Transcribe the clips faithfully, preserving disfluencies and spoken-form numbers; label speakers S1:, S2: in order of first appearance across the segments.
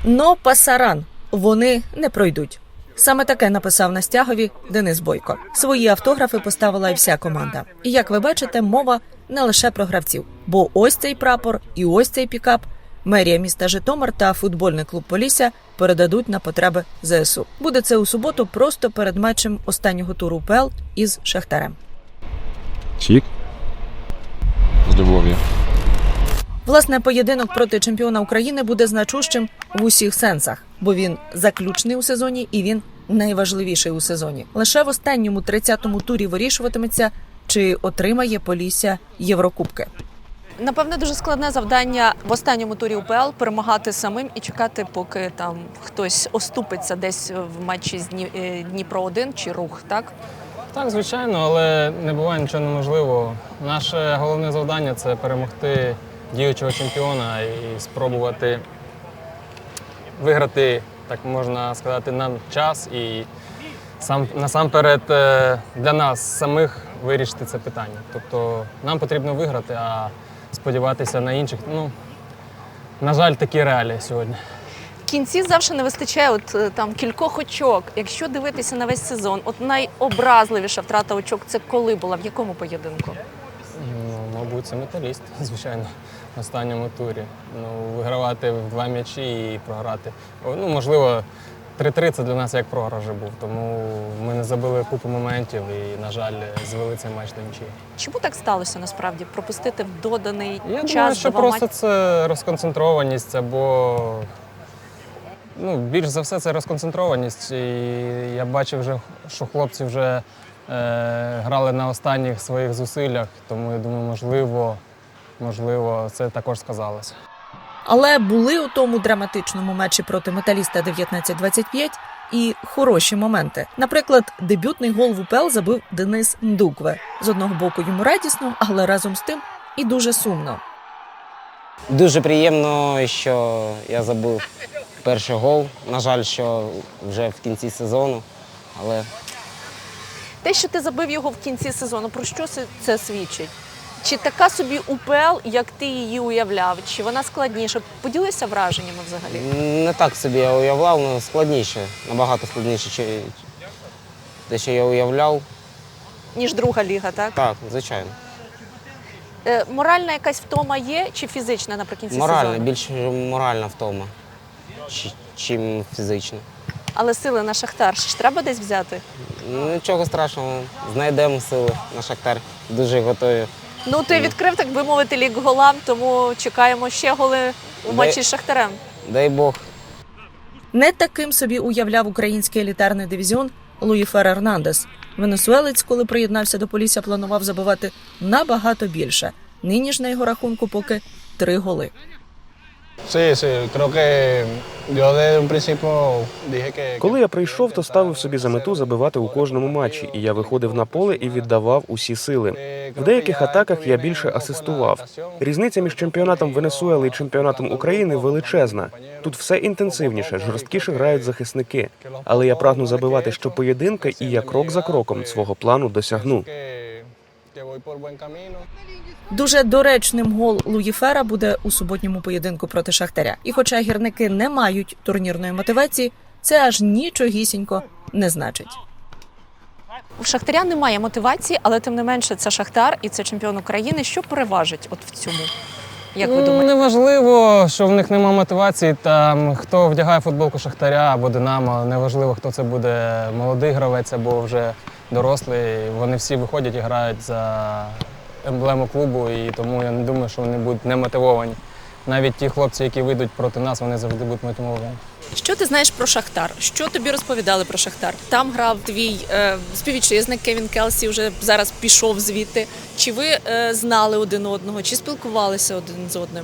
S1: Но пасаран вони не пройдуть. Саме таке написав на стягові Денис Бойко. Свої автографи поставила і вся команда. І, як ви бачите, мова не лише про гравців. Бо ось цей прапор і ось цей пікап мерія міста Житомир та футбольний клуб «Полісся» передадуть на потреби зе ес у. Буде це у суботу просто перед матчем останнього туру УПЛ із Шахтарем.
S2: Чік. З любов'ю.
S1: Власне, поєдинок проти чемпіона України буде значущим в усіх сенсах, бо він заключний у сезоні і він найважливіший у сезоні. Лише в останньому тридцятому турі вирішуватиметься, чи отримає Полісся Єврокубки.
S3: Напевне, дуже складне завдання в останньому турі УПЛ перемагати самим і чекати, поки там хтось оступиться десь в матчі з Дніпро один чи Рух, так?
S4: Так, звичайно, але не буває нічого неможливого. Наше головне завдання – це перемогти діючого чемпіона і спробувати виграти, так можна сказати, нам час і сам, насамперед для нас самих вирішити це питання. Тобто нам потрібно виграти, а сподіватися на інших, ну, на жаль, такі реалії сьогодні.
S3: В кінці завжди не вистачає от, там, кількох очок. Якщо дивитися на весь сезон, от найобразливіша втрата очок – це коли була, в якому поєдинку?
S4: Ну, мабуть, це Металіст, звичайно, в останньому турі. Ну, вигравати в два м'ячі і програти. Ну, можливо, три-три – це для нас як програш вже був, тому ми не забили купу моментів і, на жаль, звели цей матч до нічиї.
S3: Чому так сталося, насправді, пропустити в доданий
S4: Я
S3: час?
S4: Я думаю, що просто
S3: мат...
S4: це розконцентрованість, або, ну, більш за все, це розконцентрованість. І я бачив, вже, що хлопці вже е, грали на останніх своїх зусиллях, тому, я думаю, можливо, можливо, це також сказалося.
S1: Але були у тому драматичному матчі проти Металіста дев'ятнадцять двадцять п'ять і хороші моменти. Наприклад, дебютний гол в УПЛ забив Денис Ндукве. З одного боку йому радісно, але разом з тим і дуже сумно.
S5: Дуже приємно, що я забив перший гол. На жаль, що вже в кінці сезону, але...
S3: Те, що ти забив його в кінці сезону, про що це свідчить? Чи така собі УПЛ, як ти її уявляв? Чи вона складніша? Поділися враженнями взагалі?
S5: Не так собі я уявляв, але складніше. Набагато складніше, ніж те, що я уявляв.
S3: Ніж друга ліга, так?
S5: Так, звичайно.
S3: Е, моральна якась втома є чи фізична наприкінці
S5: моральна,
S3: сезону?
S5: Більше моральна втома, чим фізична.
S3: Але сили на Шахтар ж треба десь взяти?
S5: Нічого страшного, знайдемо сили на Шахтар. Дуже готові.
S3: Ну, ти відкрив, так би мовити, лік голам, тому чекаємо ще голи у матчі
S5: Дай...
S3: з Шахтарем.
S5: Дай Бог.
S1: Не таким собі уявляв український елітарний дивізіон Луїфер Ернандес. Венесуелець, коли приєднався до Полісся, планував забивати набагато більше. Нині ж на його рахунку поки три голи.
S6: Коли я прийшов, то ставив собі за мету забивати у кожному матчі, і я виходив на поле і віддавав усі сили. В деяких атаках я більше асистував. Різниця між чемпіонатом Венесуели і чемпіонатом України величезна. Тут все інтенсивніше, жорсткіше грають захисники. Але я прагну забивати щопоєдинка, і я крок за кроком свого плану досягну.
S1: Дуже доречним гол Луїфера буде у суботньому поєдинку проти Шахтаря. І хоча гірники не мають турнірної мотивації, це аж нічогісінько не значить.
S3: У Шахтаря немає мотивації, але тим не менше це Шахтар і це чемпіон України. Що переважить от в цьому? Як ви
S4: ну,
S3: думаєте?
S4: Неважливо, що в них немає мотивації, там, хто вдягає футболку Шахтаря або Динамо, неважливо, хто це буде, молодий гравець або вже дорослий. Вони всі виходять і грають за емблему клубу, і тому я не думаю, що вони будуть немотивовані. Навіть ті хлопці, які вийдуть проти нас, вони завжди будуть мотивовані.
S3: Що ти знаєш про Шахтар? Що тобі розповідали про Шахтар? Там грав твій е, співвітчизник Кевін Келсі, вже зараз пішов звідти. Чи ви е, знали один одного, чи спілкувалися один з одним?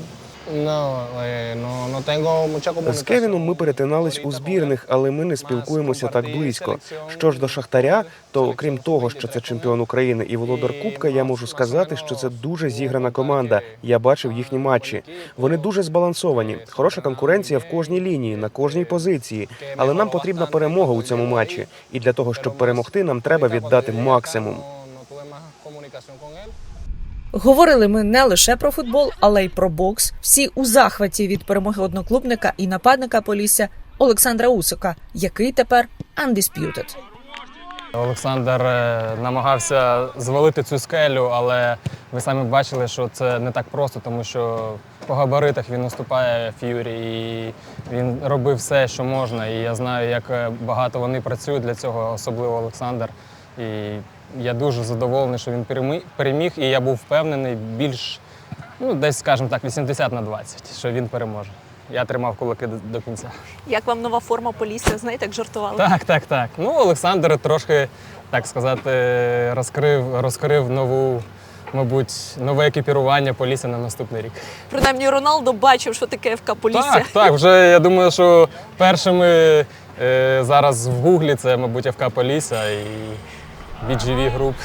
S6: З Кевіном ми перетинались у збірних, але ми не спілкуємося так близько. Що ж до Шахтаря, то окрім того, що це чемпіон України і володар Кубка, я можу сказати, що це дуже зіграна команда. Я бачив їхні матчі. Вони дуже збалансовані. Хороша конкуренція в кожній лінії, на кожній позиції. Але нам потрібна перемога у цьому матчі. І для того, щоб перемогти, нам треба віддати максимум.
S1: Говорили ми не лише про футбол, але й про бокс. Всі у захваті від перемоги одноклубника і нападника Полісся Олександра Усика, який тепер undisputed.
S4: Олександр е, намагався звалити цю скелю, але ви самі бачили, що це не так просто, тому що по габаритах він уступає Ф'юрі, і він робив все, що можна. І я знаю, як багато вони працюють для цього, особливо Олександр. І я дуже задоволений, що він перемі- переміг, і я був впевнений більш, ну, десь, скажімо так, вісімдесят на двадцять, що він переможе. Я тримав кулаки до, до кінця.
S3: Як вам нова форма Полісся? Знаєте, як жартували?
S4: Так, так, так. Ну, Олександр трошки, так сказати, розкрив, розкрив нову, мабуть, нове екіпірування Полісся на наступний рік.
S3: Принаймні Роналдо бачив, що таке ФК Полісся.
S4: Так, так, вже я думаю, що першими е, зараз в Гуглі це, мабуть, ФК Полісся і бі джі ві Group.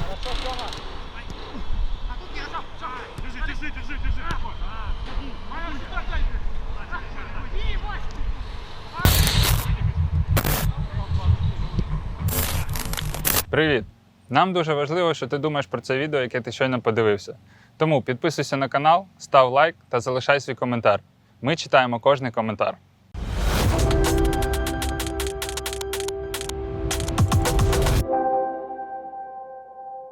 S7: Привіт! Нам дуже важливо, що ти думаєш про це відео, яке ти щойно подивився. Тому підписуйся на канал, став лайк та залишай свій коментар. Ми читаємо кожний коментар.